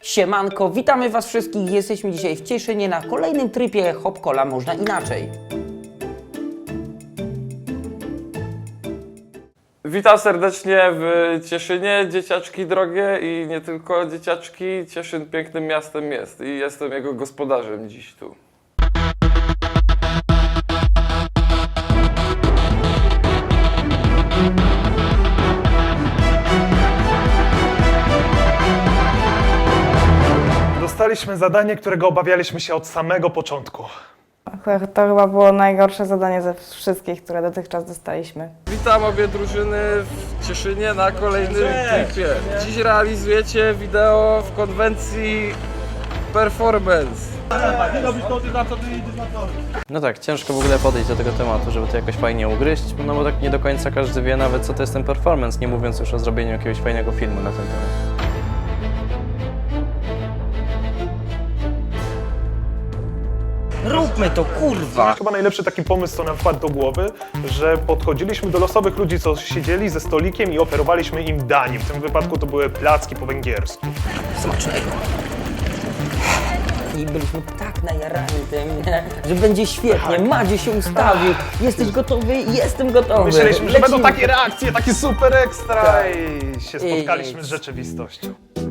Siemanko, witamy Was wszystkich. Jesteśmy dzisiaj w Cieszynie na kolejnym tripie Hop Cola Można Inaczej. Witam serdecznie w Cieszynie, dzieciaczki drogie i nie tylko dzieciaczki. Cieszyn pięknym miastem jest i jestem jego gospodarzem dziś tu. Dostaliśmy zadanie, którego obawialiśmy się od samego początku. To chyba było najgorsze zadanie ze wszystkich, które dotychczas dostaliśmy. Witam obie drużyny w Cieszynie na kolejnym tripie. Dziś realizujecie wideo w konwencji performance. No tak, ciężko w ogóle podejść do tego tematu, żeby to jakoś fajnie ugryźć, no bo tak nie do końca każdy wie nawet, co to jest ten performance, nie mówiąc już o zrobieniu jakiegoś fajnego filmu na ten temat. Róbmy to, kurwa! Chyba najlepszy taki pomysł, co nam wpadł do głowy, że podchodziliśmy do losowych ludzi, co siedzieli ze stolikiem i oferowaliśmy im danie. W tym wypadku to były placki po węgiersku. Smacznego. I byliśmy tak najarani tym, że będzie świetnie. Madzie się ustawił. Jesteś gotowy? Jestem gotowy. Myśleliśmy, że będą Lecimy. takie reakcje, takie super ekstra Tak. i się spotkaliśmy z rzeczywistością.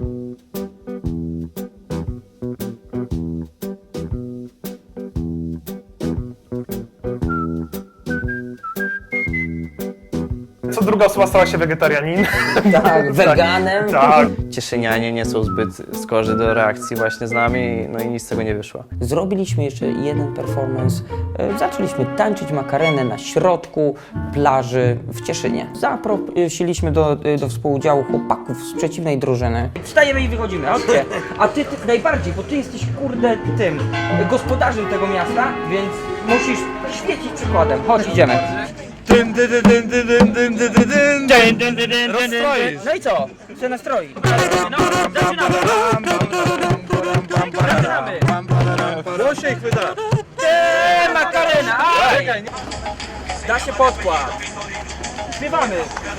Co druga osoba stała się wegetarianinem. Tak, weganem. Tak. Cieszynianie nie są zbyt skorzy do reakcji właśnie z nami, no i nic z tego nie wyszło. Zrobiliśmy jeszcze jeden performance. Zaczęliśmy tańczyć makarenę na środku plaży w Cieszynie. Zaprosiliśmy do współudziału chłopaków z przeciwnej drużyny. Wstajemy i wychodzimy, chodźcie. A ty najbardziej, bo ty jesteś kurde tym gospodarzem tego miasta, więc musisz świecić przykładem. Chodź, idziemy. No i co? Co nastroi? No, zaczynamy. Zaczynamy. Głośniej chwyta! Makarena! Aj! Da się podkład. Śpiewamy.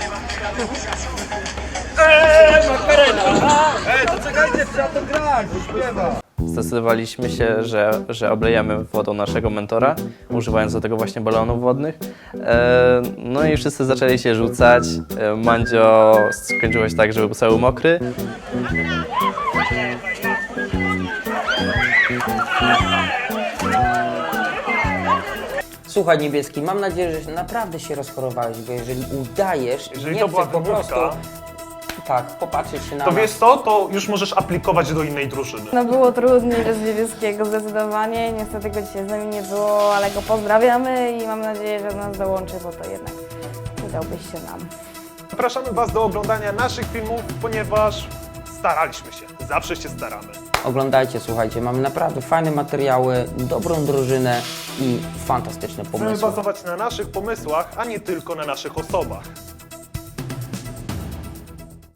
Makarena! To czekajcie, trzeba to grać, śpiewa! Zdecydowaliśmy się, że oblejemy wodą naszego mentora, używając do tego właśnie balonów wodnych. No i wszyscy zaczęli się rzucać. Mandzio skończyło się tak, że był cały mokry. Słuchaj, Niebieski, mam nadzieję, że naprawdę się rozchorowałeś, bo jeżeli udajesz, Jeżeli nie to była chcesz po prostu wymówka, tak, popatrzeć się na to nas. wiesz co, to już możesz aplikować do innej drużyny. No było trudniej bez Niebieskiego zdecydowanie, niestety go dzisiaj z nami nie było, ale go pozdrawiamy i mam nadzieję, że do nas dołączy, bo to jednak przydałbyś się nam. Zapraszamy Was do oglądania naszych filmów, ponieważ staraliśmy się. Zawsze się staramy. Oglądajcie, słuchajcie, mamy naprawdę fajne materiały, dobrą drużynę i fantastyczne Chcemy pomysły. bazować na naszych pomysłach, a nie tylko na naszych osobach.